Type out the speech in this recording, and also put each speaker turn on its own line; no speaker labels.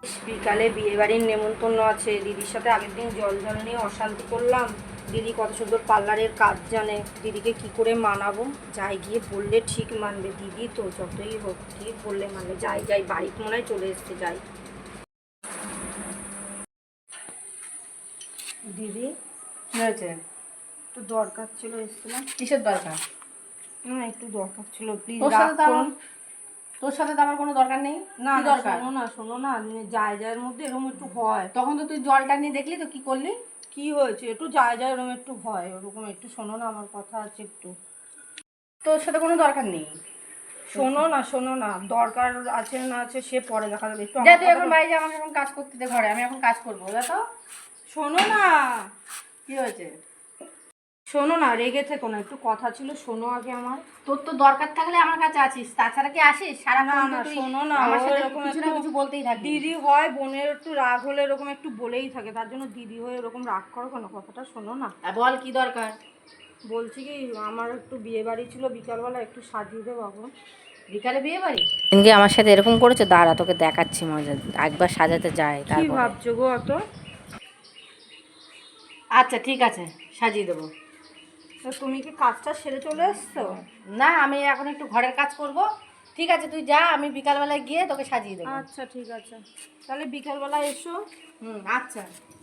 বিকালে বিয়েবাড়ির নেমন্তন্ন আছে, দিদির সাথে আগের দিন জল নিয়ে অশান্তি করলাম। দিদি কত সুন্দর পার্লারের কাজ জানে, দিদিকে কি করে মানাবো? যাই গিয়ে বললে ঠিক মানবে দিদি, তো যতই হোক ঠিক বললে মানবে। যাই বাড়িতে মনে হয় চলে এসছে, যাই। দিদি
কি হয়েছে?
একটু দরকার ছিল, এসেছিলাম।
কিসের দরকার?
না একটু দরকার ছিল, প্লিজ
তোর
রাগ
সাথে তো
করুন।
তোর সাথে তো আমার কোনো দরকার নেই।
না
কি
না,
দরকার?
শোনো না, জায়ের মধ্যে এরকম একটু হয়।
তখন তো তুই জলটা নিয়ে দেখলি তো, কি করলি?
কি হয়েছে? একটু যায় এরকম একটু হয়, ওরকম একটু শোনো না, আমার কথা আছে একটু।
তোর সাথে কোনো দরকার নেই।
শোনো না, দরকার আছে না আছে সে পরে দেখা যাবে, একটু
যা
আমার
তুই এখন
কথাটা-
বাইরে যা, আমাকে এখন কাজ করতে দে ঘরে, আমি এখন কাজ করবো। যা তো।
শোনো না,
কি হয়েছে?
শোনো না, রেগে থেকো না, একটু কথা ছিল, শোনো আগে আমার।
তোর তো দরকার থাকলে আমার কাছে আছিস, তাছাড়া কি আসিস সারা?
না না, শোনো না,
আমার
ও
সাথে
এরকম
কিছু না
একটু
কিছু বলতেই থাকবি।
দিদি হয়, বোনের একটু রাগ হলে এরকম একটু বলেই থাকে, তার জন্য দিদি হয়ে এরকম রাগ করো কেন? কথাটা শোনো না।
বল কি দরকার?
বলছি কি, আমার একটু বিয়ে বাড়ি ছিল, বিকালবেলা একটু সাজিয়ে দেবো বাবু।
বিকালে বিয়ে বাড়ি? এদিকে আমার সাথে এরকম করেছে, দাঁড়া তোকে দেখাচ্ছি মজা। একবার সাজাতে যায়
কি
তারপরে।
ভাবছো গো অত?
আচ্ছা ঠিক আছে, সাজিয়ে দেবো।
তো তুমি কি কাজটা সেরে চলে এসছো?
না, আমি এখন একটু ঘরের কাজ করব। ঠিক আছে তুই যা, আমি বিকালবেলায় গিয়ে তোকে সাজিয়ে দেবো।
আচ্ছা ঠিক আছে, তাহলে বিকালবেলা এসো।
আচ্ছা।